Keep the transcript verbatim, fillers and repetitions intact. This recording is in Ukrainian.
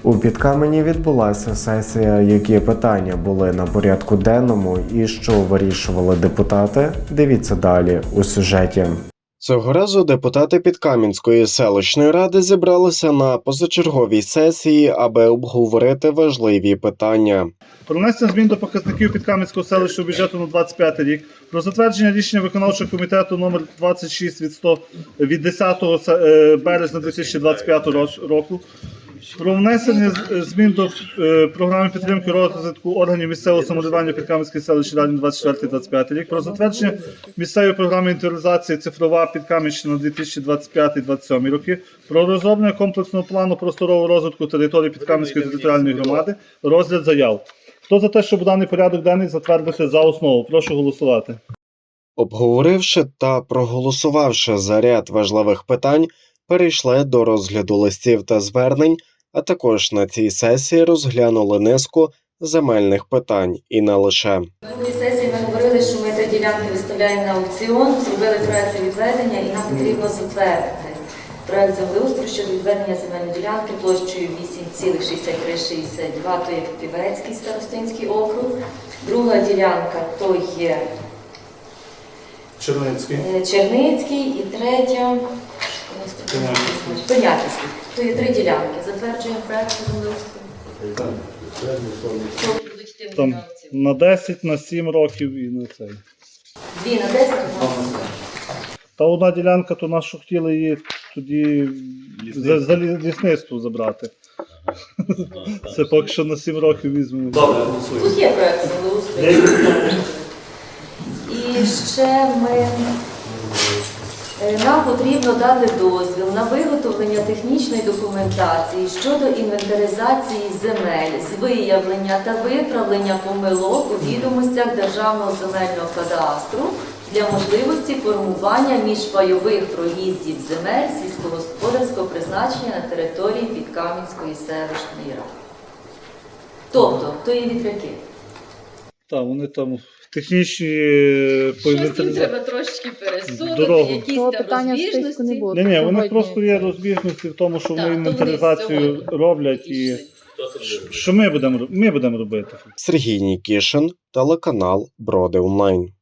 У Підкамені відбулася сесія, які питання були на порядку денному і що вирішували депутати. Дивіться далі у сюжеті. Цього разу депутати Підкам'янської селищної ради зібралися на позачерговій сесії, аби обговорити важливі питання. Про внесення змін до показників Підкам'янського селищного бюджету на двадцять п'ятий рік, про затвердження рішення виконавчого комітету номер двадцять шість від сто від десятого березня дві тисячі двадцять п'ятого року, про внесення змін до е, програми підтримки розвитку органів місцевого самоврядування Підкам'янської селищної ради на двадцять четвертий двадцять п'ятий рік, про затвердження місцевої програми інвентаризації цифрова Підкам'янщина на дві тисячі двадцять п'ятий двадцять сьомий роки, про розроблення комплексного плану просторового розвитку території Підкам'янської територіальної громади, розгляд заяв. Хто за те, щоб даний порядок денний затвердити за основу? Прошу голосувати. Обговоривши та проголосувавши за ряд важливих питань, перейшли до розгляду листів та звернень, а також на цій сесії розглянули низку земельних питань і не лише. На цій сесії ми говорили, що ми три ділянки виставляємо на аукціон, зробили проєкт відведення і нам потрібно затвердити проєкт землеустрою щодо відведення земельної ділянки площею вісім цілих шістдесят три шістдесят два, то є Півецький старостинський округ. Друга ділянка то є Черницький. Черницький і третя Понятівський. То є три ділянки. Затверджуємо проєкт землеустрою. Там на десять, на сім років і на цей. Дві на десять, одна на сім. Та одна ділянка, то нас що хотіли її тоді за, за лісництво забрати. Це поки що на сім років візьмемо. Добре, голосуємо. Тут є проєкт землеустрою. І ще ми, нам потрібно дати дозвіл на виготовлення технічної документації щодо інвентаризації земель з виявлення та виправлення помилок у відомостях Державного земельного кадастру для можливості формування міжпайових проїздів земель сільськогосподарського призначення на території Підкам'янської селищної ради. Тобто, то є вітряки. Так, вони там технічні по Щось їм інвентаризації. треба трошки пересунути, Дорогу. якісь Того там питання в списку не розбіжності. було. Ні, ні, вони Сьогодні. просто є розбіжності в тому, що Так, вони то вони інвентаризацію сьогодні роблять і пішли. що ми будемо, ми будемо робити. Сергій Нікішин, телеканал Броди Онлайн.